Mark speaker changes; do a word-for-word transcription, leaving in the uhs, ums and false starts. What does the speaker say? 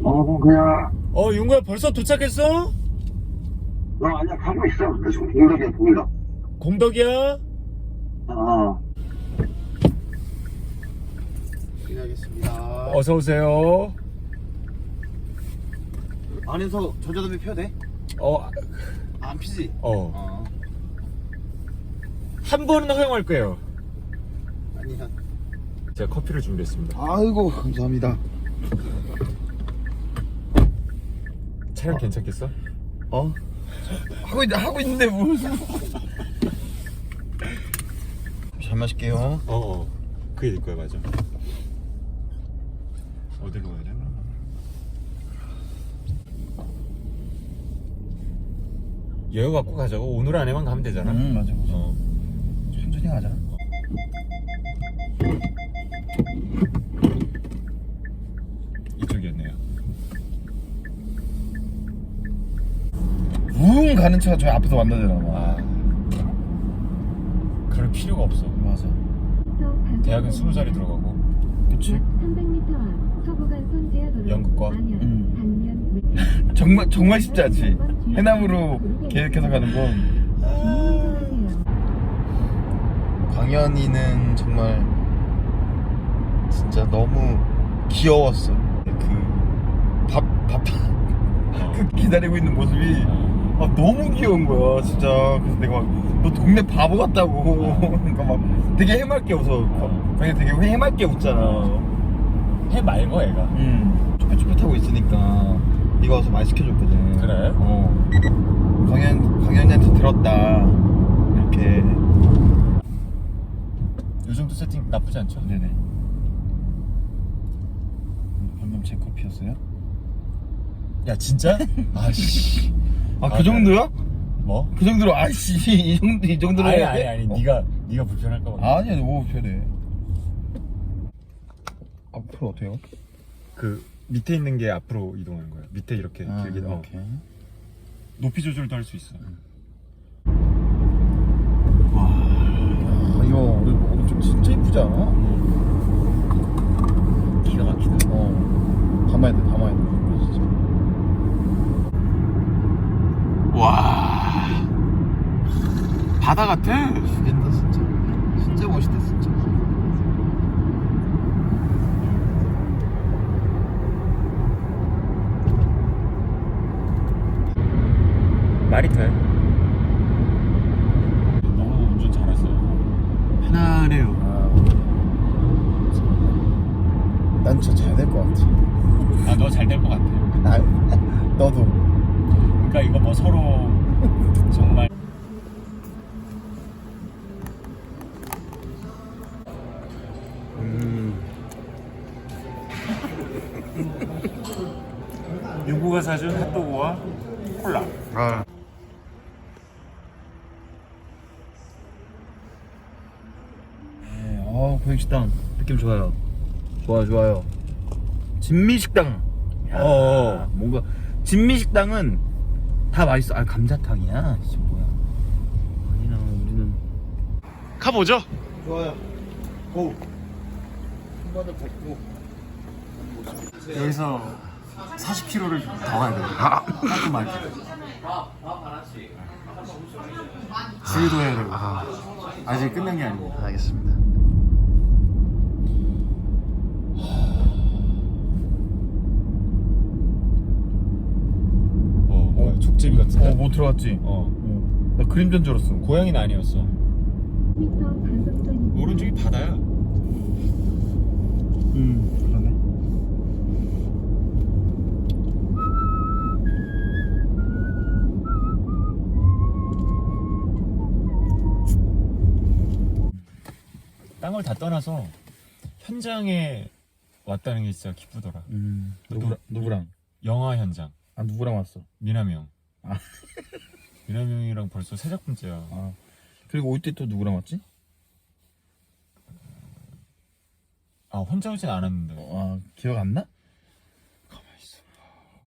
Speaker 1: 어, 봉구야.
Speaker 2: 어, 용구야 벌써 도착했어?
Speaker 1: 어, 아니야, 가고 있어. 나 지금 공덕이야, 공덕.
Speaker 2: 공덕이야?
Speaker 1: 어.
Speaker 3: 끝내겠습니다.
Speaker 2: 어서 오세요.
Speaker 3: 안에서 전자담배 펴도 돼?
Speaker 2: 어,
Speaker 3: 안 피지?
Speaker 2: 어.
Speaker 3: 어.
Speaker 2: 한 번은 허용할 거예요.
Speaker 3: 아니야.
Speaker 2: 제가 커피를 준비했습니다.
Speaker 3: 아이고, 감사합니다.
Speaker 2: 차량 괜찮겠어?
Speaker 3: 어? 하고, 있, 하고 있는데 뭘. 잘 마실게요.
Speaker 2: 어, 어. 그게 될 거야, 맞아. 어디로 가야 되나? 여유 갖고 가자고. 오늘 안에만 가면 되잖아.
Speaker 3: 응, 맞아, 맞아.
Speaker 2: 어.
Speaker 3: 천천히 가자.
Speaker 2: 이쪽이었네요.
Speaker 3: 웅 가는 차가 저희 앞에서 만나잖아.
Speaker 2: 아, 그럴 필요가 없어.
Speaker 3: 맞아.
Speaker 2: 대학은 스무 살이 들어가고.
Speaker 3: 그치?
Speaker 4: 삼백 미터 앞 서부간선 지하도로
Speaker 2: 연극과?
Speaker 4: 안양,
Speaker 3: 응.
Speaker 4: 당면,
Speaker 3: 정말, 정말 쉽지 않지? 해남으로 계획해서 가는 건. 광현이는 정말 진짜 너무 귀여웠어. 그 밥, 밥, 그 기다리고 있는 모습이 아, 너무 귀여운 거야, 진짜. 그래서 내가 막, 너 동네 바보 같다고. 그러니까 막 되게 해맑게 웃어. 그냥 되게 해맑게 웃잖아.
Speaker 2: 해 말고 애가.
Speaker 3: 응. 쭈뼛쭈뼛하고 있으니까 네가 와서 많이 시켜줬거든.
Speaker 2: 그래?
Speaker 3: 어. 광현, 광현이한테 들었다. 이렇게.
Speaker 2: 요 정도 세팅 나쁘지 않죠?
Speaker 3: 네네. 방금 제 커피였어요?
Speaker 2: 야, 진짜? 아씨.
Speaker 3: 아,
Speaker 2: 아,
Speaker 3: 그 정도야?
Speaker 2: 뭐?
Speaker 3: 그 정도로 아이씨 이 정도 이 정도로
Speaker 2: 아니
Speaker 3: 해야
Speaker 2: 아니
Speaker 3: 돼?
Speaker 2: 아니.
Speaker 3: 어.
Speaker 2: 네가 네가 불편할까 봐.
Speaker 3: 아니야, 너무 편해. 앞으로 어때요?
Speaker 2: 그 밑에 있는 게 앞으로 이동하는 거야. 밑에 이렇게
Speaker 3: 아,
Speaker 2: 길게. 어.
Speaker 3: 이렇게.
Speaker 2: 높이 조절도 할 수 있어.
Speaker 3: 아, 이거 우리 오른쪽 진짜 이쁘지 않아?
Speaker 2: 기가 막히다.
Speaker 3: 어. 담아야 돼, 담아야 돼. 이거 진짜.
Speaker 2: 와. 바다 같아.
Speaker 3: 죽인다 진짜. 진짜 멋있다 진짜.
Speaker 2: 말이 돼. 너무 운전 잘했어요. 편안해요.
Speaker 3: 아, 난 진짜 잘 될 것 같아.
Speaker 2: 아, 너 잘 될 것 같아.
Speaker 3: 아, 너도.
Speaker 2: 그러니까 이거 뭐 서로 정말.
Speaker 3: 음.
Speaker 2: 유구가 사준 핫도그와 콜라.
Speaker 3: 아. 네, 어, 고행식당 느낌 좋아요. 좋아, 좋아요. 진미식당. 야,
Speaker 2: 어어.
Speaker 3: 뭔가 진미식당은 다 맛있어. 아, 감자탕이야. 씨, 뭐야? 아니나 우리는
Speaker 2: 가보죠.
Speaker 3: 좋아요. 고. 한번을 뱉고.
Speaker 2: 여기서 사십 킬로미터를 더 가야 돼요. 깔끔하게. 주유도 해야 되고. 아직 끝난 게 아니고.
Speaker 3: 알겠습니다.
Speaker 2: 어, 뭐야, 족제비 같은데?
Speaker 3: 어, 못 들어갔지?
Speaker 2: 어.
Speaker 3: 어. 나 그림자인 줄 알았어.
Speaker 2: 고양이는 아니었어.
Speaker 4: 미터 단속선
Speaker 2: 오른쪽이 바다야.
Speaker 3: 음, 그러네.
Speaker 2: 땅을 다 떠나서 현장에 왔다는 게 진짜 기쁘더라.
Speaker 3: 음,
Speaker 2: 누구-
Speaker 3: 누구랑? 누구랑?
Speaker 2: 영화 현장.
Speaker 3: 아, 누구랑 왔어?
Speaker 2: 미남이 형.
Speaker 3: 아.
Speaker 2: 미남이 형이랑 벌써 세 작품째야.
Speaker 3: 아, 그리고 올 때 또 누구랑 왔지?
Speaker 2: 아, 혼자 오진 않았는데.
Speaker 3: 아, 기억 안 나?